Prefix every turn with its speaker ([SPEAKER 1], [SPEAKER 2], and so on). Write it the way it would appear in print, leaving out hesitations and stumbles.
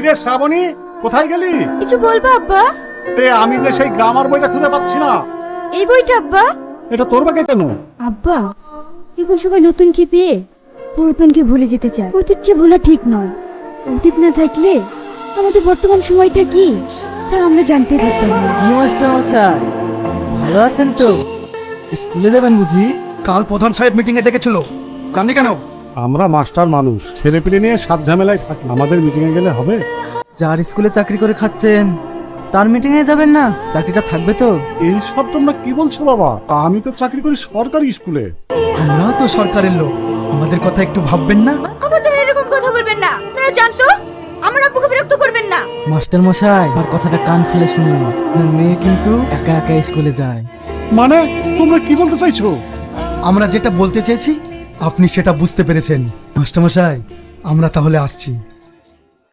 [SPEAKER 1] কিরে শ্রাবণী, কোথায় গেলি?
[SPEAKER 2] কিছু বলবো আব্বা?
[SPEAKER 1] আমি যে সেই গ্রামার বইটা খুঁজে পাচ্ছি না।
[SPEAKER 2] এই বইটা আব্বা?
[SPEAKER 1] এটা তোর ব্যাগে কেন?
[SPEAKER 2] আব্বা, এখন সবাই নতুনকে পেয়ে পুরাতনকে ভুলে যেতে চায়। অতীতকে ভোলা ঠিক নয়। অতীত না থাকলে আমাদের বর্তমান সময়টা কি তা আমরা জানতে পারতাম না।
[SPEAKER 3] মাস্টার মশাই, ভালো আছেন তো? স্কুলে যাবেন বুঝি?
[SPEAKER 4] কাল প্রধান সাহেব মিটিং এ ডেকেছিল, জানি কেন?
[SPEAKER 1] আমরা মাস্টার মানুষ, ছেলে পিলে নিয়ে সাত ঝামেলায় থাকি, আমাদের মিটিং এ গেলে হবে?
[SPEAKER 3] যার স্কুলে চাকরি করে খাচ্ছেন তার মিটিং এ যাবেন না? চাকরিটা থাকবে তো?
[SPEAKER 1] এইসব তোমরা কি বলছো বাবা? আমি তো চাকরি করি সরকারি স্কুলে।
[SPEAKER 4] আমরাও তো সরকারের লোক, আমাদের কথা একটু ভাববেন না?
[SPEAKER 2] আমাদের এরকম কথা বলবেন না। আপনারা জানতো আমার আব্বুকে বিরক্ত করবেন না।
[SPEAKER 3] মাস্টার মশাই, আমার কথাটা কান খুলে শুনুন। আপনার মেয়ে কিন্তু একা একা স্কুলে যায়।
[SPEAKER 1] মানে তোমরা কি বলতে চাইছো?
[SPEAKER 4] আমরা যেটা বলতে চেয়েছি আপনি সেটা বুঝতে পেরেছেন। মাস্টারমশাই, আমরা তাহলে আসছি।